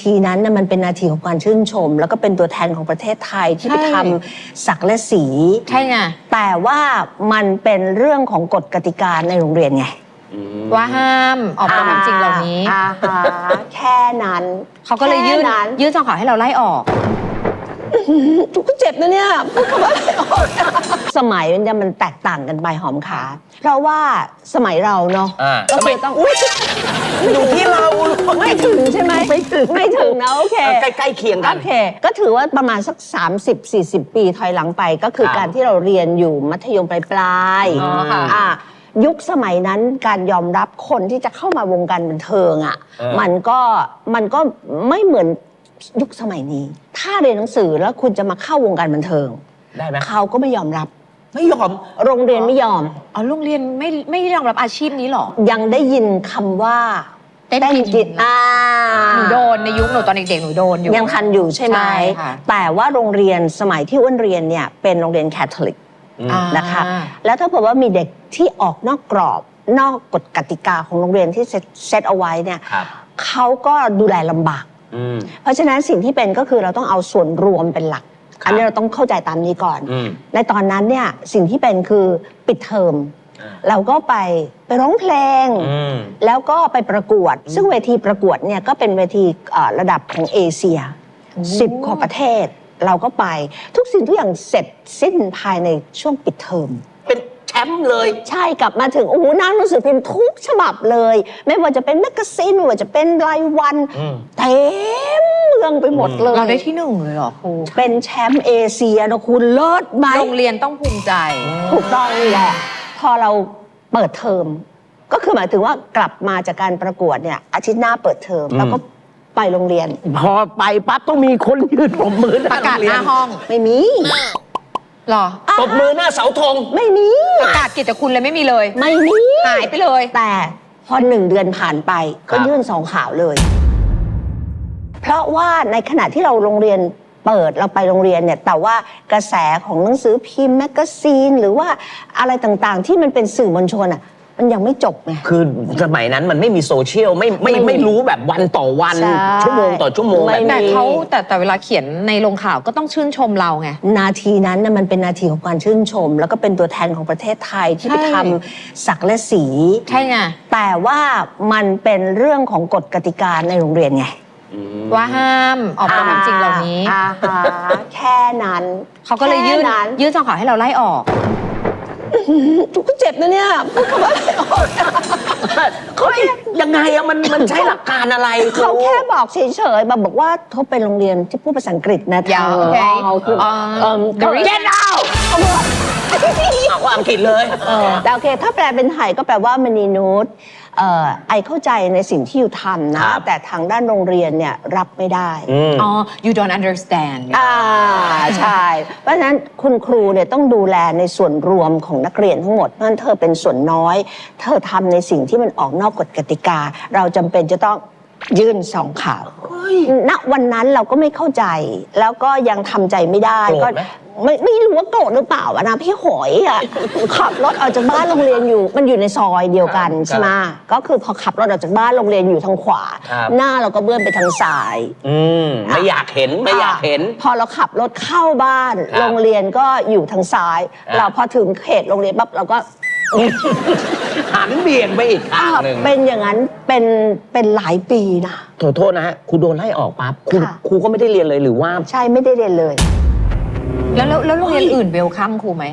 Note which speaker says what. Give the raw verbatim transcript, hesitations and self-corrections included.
Speaker 1: ทีนั้นนะมันเป็นนาทีของการชื่นชม แล้วก็เป็นตัวแทนของประเทศไทยที่ไปทำศักดิ์และสี
Speaker 2: ใช่ไง
Speaker 1: แต่ว่ามันเป็นเรื่องของกฎกติกาในโรงเรียนไง
Speaker 2: ว่าห้ามออกความจริงเหล่านี้
Speaker 1: แค่นั้น
Speaker 2: เขาก็เลยยื่นยื่นคำขอให้เราไล่ออก
Speaker 1: ทุกคนเจ็บนะเนี่ยพูดคำว่าไล่ออกสมัยมันจะมันแตกต่างกันไปหอมขาเพราะว่าสมัยเราเนาะก็คือต้อง
Speaker 3: อยู่ที่เรา
Speaker 1: ไม่ถึงใช่ไหมไม่ถึงไม่ถึงนะโอเค
Speaker 3: ใกล้ๆเคียงกัน
Speaker 1: โอเคก็ถือว่าประมาณสัก สามสิบสี่สิบ ปีถอยหลังไปก็คือการที่เราเรียนอยู่มัธยมปลายๆอ่ายุคสมัยนั้นการยอมรับคนที่จะเข้ามาวงการบันเทิงอ่ะมันก็มันก็ไม่เหมือนยุคสมัยนี้ถ้าเรียนหนังสือแล้วคุณจะมาเข้าวงการบันเทิง
Speaker 3: ได้ไหม
Speaker 1: เขาก็ไม่ยอมรับ
Speaker 3: ไม่ยอม
Speaker 1: โรงเรียนไม่ยอม
Speaker 2: อ๋อโรงเรียนไม่ไม่ยอมรับอาชีพนี้หรอ
Speaker 1: ยังได้ยินคำว่า
Speaker 2: เต้นกิจ
Speaker 1: อ่า
Speaker 2: หนูโดนในยุคหนูตอนเด็กๆหนูโดนอยู่
Speaker 1: ยังทันอยู่ใช่ไหมแต่ว่าโรงเรียนสมัยที่อ้วนเรียนเนี่ยเป็นโรงเรียนแคทอลิกนะคะแล้วถ้าเผื่อว่ามีเด็กที่ออกนอกกรอบนอกกฎกติกาของโรงเรียนที่เซตเอาไว้เนี่ยเขาก็ดูแลลำบากเพราะฉะนั้นสิ่งที่เป็นก็คือเราต้องเอาส่วนรวมเป็นหลักอันนี้เราต้องเข้าใจตามนี้ก่อนในตอนนั้นเนี่ยสิ่งที่เป็นคือปิดเทอมเราก็ไปไปร้องเพลงแล้วก็ไปประกวดซึ่งเวทีประกวดเนี่ยก็เป็นเวทีระดับของเอเชียสิบกว่าประเทศเราก็ไปทุกสิ่งทุกอย่างเสร็จสิ้นภายในช่วงปิดเทอม
Speaker 3: เป็นแชมป์เลย
Speaker 1: ใช่กลับมาถึงโอ้โหนั่งหนังสือพิมพ์ทุกฉบับเลยไม่ว่าจะเป็นแมกกาซีนไม่ว่าจะเป็นรายวันเต็มเมืองไปหมดเลย
Speaker 2: เราได้ที่หนึ่งเลยเหรอครู
Speaker 1: เป็นแชมป์เอเชียนะคุณเลิศไหม
Speaker 2: โรงเรียนต้องภูมิใจ
Speaker 1: ถูกต้องแหละพอเราเปิดเทอมก็คือหมายถึงว่ากลับมาจากการประกวดเนี่ยอาทิตย์หน้าเปิดเทอมแล้วก็ไปโรงเรียน
Speaker 3: พอไปปั๊บต้องมีคนยืนปรบมือ
Speaker 2: ประกาศหน้าห้อง
Speaker 1: ไม่มี
Speaker 2: หรอ
Speaker 3: ปรบมือหน้าเสาธง
Speaker 1: ไม่มี
Speaker 2: ประกาศกิจคุณเลยไม่มีเลย
Speaker 1: ไม่มี
Speaker 2: หายไปเลย
Speaker 1: แต่พอหนึ่งเดือนผ่านไปก็ยื่นสองข่าวเลยเพราะว่าในขณะที่เราโรงเรียนเปิดเราไปโรงเรียนเนี่ยแต่ว่ากระแสของหนังสือพิมพ์แมกกาซีนหรือว่าอะไรต่างๆที่มันเป็นสื่อมวลชนอ่ะมันยังไม่จบไง
Speaker 3: คือสมัยนั้นมันไม่มีโซเชียลไม่ไม่ไม่รู้แบบวันต่อวันชั่วโมงต่อชั่วโมงแบบ
Speaker 2: แต่เขาแต่แต่เวลาเขียนในลงข่าวก็ต้องชื่นชมเราไง
Speaker 1: นาทีนั้นน่ะมันเป็นนาทีของการชื่นชม แล้วก็เป็นตัวแทนของประเทศไทยที่ไปทำศักดิ์และสี
Speaker 2: ใช่ไง
Speaker 1: แต่ว่ามันเป็นเรื่องของกฎกติกาในโรงเรียนไง
Speaker 2: ว่าห้ามออกความจริงเหล่านี้
Speaker 1: แค่นั้น
Speaker 2: เขาก็เลยยื่นยื่นคำขอให้เราไล่ออก
Speaker 1: ทุกคนเจ็บนะเนี่ยพูดคำว่าไล่ออก
Speaker 3: เขายังไงอะมันมันใช้หลักการอะไร
Speaker 1: เขาแค่บอกเฉยๆแบบบอกว่าเขาเป็นโรงเรียนที่พูดภาษาอังกฤษนะ
Speaker 2: ยาวโอเค
Speaker 1: เอ่อ
Speaker 3: get out เอาความผิดเลย
Speaker 1: แต่โอเคถ้าแปลเป็นไทยก็แปลว่ามณีนุชไอเข้าใจในสิ่งที่อยู่ทำนะแต่ทางด้านโรงเรียนเนี่ยรับไม่ได้
Speaker 2: อ๋อ you don't understand
Speaker 1: อ่าใช่เพราะฉะนั้นคุณครูเนี่ยต้องดูแลในส่วนรวมของนักเรียนทั้งหมดเพราะฉะนั้นเธอเป็นส่วนน้อยเธอทำในสิ่งที่มันออกนอกกฎกติกาเราจำเป็นจะต้องยื่นสองข่าวณวันนั้นเราก็ไม่เข้าใจแล้วก็ยังทำใจไม่ได้ก็ไม่ไม่รู้ว่าโกรธหรือเปล่านะพี่หอยอ่ะขับรถออกจากบ้านโรงเรียนอยู่มันอยู่ในซอยเดียวกันใช่ไหมก็คือพอขับรถออกจากบ้านโรงเรียนอยู่ทางขวาหน้าเราก็เบื้องไปทางซ้าย
Speaker 3: อืมไม่อยากเห็นไม่อยากเห็น
Speaker 1: พอเราขับรถเข้าบ้านโรงเรียนก็อยู่ทางซ้ายเราพอถึงเขตโรงเรียนปั๊บเราก็
Speaker 3: หันเบี่ยงไปอีกทางหนึ่ง
Speaker 1: เป็นอย่างนั้นเป็นเป็นหลายปีนะ
Speaker 3: ขอโทษนะฮะครูโดนไล่ออกปั๊บครูครูก็ไม่ได้เรียนเลยหรือว่า
Speaker 1: ใช่ไม่ได้เรียนเลย
Speaker 2: แล้วแล้วโรงเรียนอื่นเวลคัมครูไหม